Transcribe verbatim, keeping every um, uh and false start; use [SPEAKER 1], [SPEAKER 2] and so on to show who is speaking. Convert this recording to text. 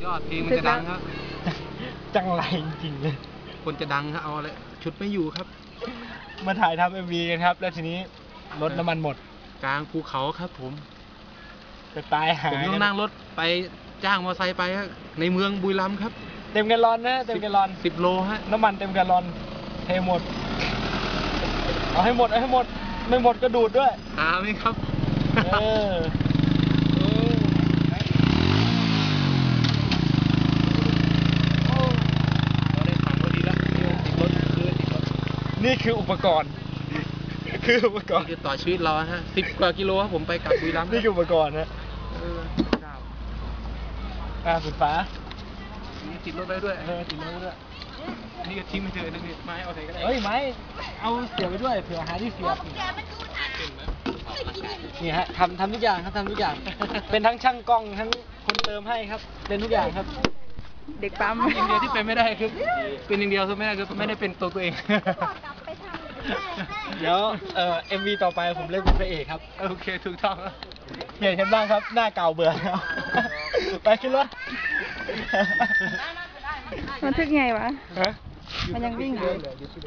[SPEAKER 1] อดเพลงมันจะดังครับ
[SPEAKER 2] จังไรจริงๆเลย
[SPEAKER 1] คนจะดังครับเอาเลยชุดไม่อยู่ครับ
[SPEAKER 2] มาถ่ายทำเอ็มวีกันครับ แล้วทีนี้รถน้ำมันหมด
[SPEAKER 1] กลางภูเขาครับผม
[SPEAKER 2] จะตายหา
[SPEAKER 1] ผม
[SPEAKER 2] ย
[SPEAKER 1] ต้องนั่งรถไปจ้างมอเตอร์ไซค์ไปครับในเมืองบุรีรัมย์ครับ
[SPEAKER 2] เต็มแกลลอนนะเต็มแกลลอน
[SPEAKER 1] สิบโลฮะ
[SPEAKER 2] น้ำมันเต็มแกลลอนเทหมด เอาให้หมดเอาให้หมด ไม่หมดก็ดูดด้วย
[SPEAKER 1] หาไหมครับ
[SPEAKER 2] เออ
[SPEAKER 1] เราได้ถังพอดีแล้วติดรถคือติดรถ
[SPEAKER 2] นี่คืออุปกรณ์ คืออุปกร
[SPEAKER 1] นี่
[SPEAKER 2] ณ์
[SPEAKER 1] คือต่อชีวิตเราฮะสิบกว่ากิโลครับผมไปกลับบุรีรัมย์
[SPEAKER 2] นี่คืออุปกรณ์นะ
[SPEAKER 1] เออเจ้า
[SPEAKER 2] อ่าสุดฟ้า
[SPEAKER 1] นี่ติดรถได้ด้วย
[SPEAKER 2] เออติดรถด้วย
[SPEAKER 1] นี่ก็ทิ้งไปเถอะนี่ไม้เอาใส่ก็ได้
[SPEAKER 2] เฮ้ยไม้เอาเสียบไปด้วยเผื่อหาที่เสียบนี่ฮะทำทำทุกอย่างครับทำทุกอย่าง เป็นทั้งช่างกล้องทั้งคนเติมให้ครับเป็นทุกอย่างครับ
[SPEAKER 3] เด็กปั๊ม
[SPEAKER 1] อย่างเดียวที่เป็นไม่ได้คือเป็นอย่างเดียวคือไม่ได้คือไม่ได้เป็นตัวตัวเอง
[SPEAKER 2] เดี๋ยวเอ่อเอ็มวีต่อไปผมเล่นเป็นพระเอกครับ
[SPEAKER 1] โอเคถูกต้องครับ
[SPEAKER 2] เปลี่ยนกันบ้างครับหน้าเก่าเบื่อแล้ว ไปขึ้นรถ
[SPEAKER 3] มันทึกไงวะ
[SPEAKER 2] ฮะ
[SPEAKER 3] มันยังวิ่งอยู่